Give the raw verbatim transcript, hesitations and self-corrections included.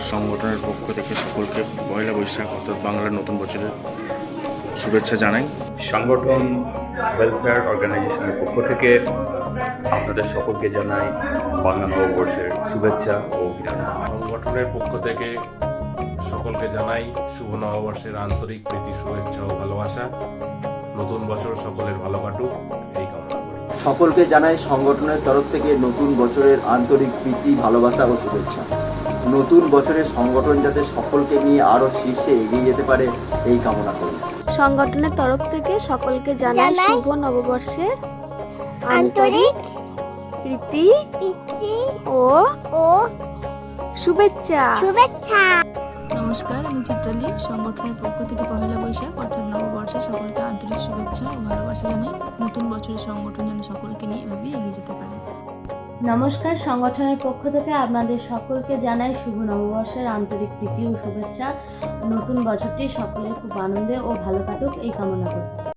সংগঠনের পক্ষ থেকে সকলকে পয়লা বৈশাখ অর্থাৎ বাংলার নতুন বছরের শুভেচ্ছা জানাই। সংগঠন ওয়েলফেয়ার অর্গানাইজেশনের পক্ষ থেকে আপনাদের সকলকে জানাই বাংলা নববর্ষের শুভেচ্ছা ও অভিনন্দন। সংগঠনের পক্ষ থেকে সকলকে জানাই শুভ নববর্ষের আন্তরিক প্রীতি, শুভেচ্ছা ও ভালোবাসা। নতুন বছর সকলের ভালো কাটুক এই কামনা করি। সকলকে জানাই সংগঠনের তরফ থেকে নতুন বছরের আন্তরিক প্রীতি, ভালোবাসা ও শুভেচ্ছা। নতুন বছরে সংগঠন যাতে সকলকে নিয়ে আরও শীর্ষে এগিয়ে যেতে পারে এই কামনা করি। সংগঠনের তরফ থেকে সকলকে জানাই শুভ নববর্ষের আন্তরিক প্রীতি ও ও শুভেচ্ছা শুভেচ্ছা। নমস্কার, আমি চিত্রালী। সংগঠনের পক্ষ থেকে পহেলা বৈশাখ অর্থাৎ নববর্ষে সকলকে আন্তরিক শুভেচ্ছা ও ভালোবাসা জানাই। নতুন বছরের সংগঠন যেন সকলকে নিয়ে এভাবেই এগিয়ে যেতে পারে। নমস্কার, সংগঠনের পক্ষ থেকে আপনাদের সকলকে জানাই শুভ নববর্ষের আন্তরিক প্রীতি ও শুভেচ্ছা। নতুন বছরটি সকলের খুব আনন্দে ও ভালো কাটুক এই কামনা করি।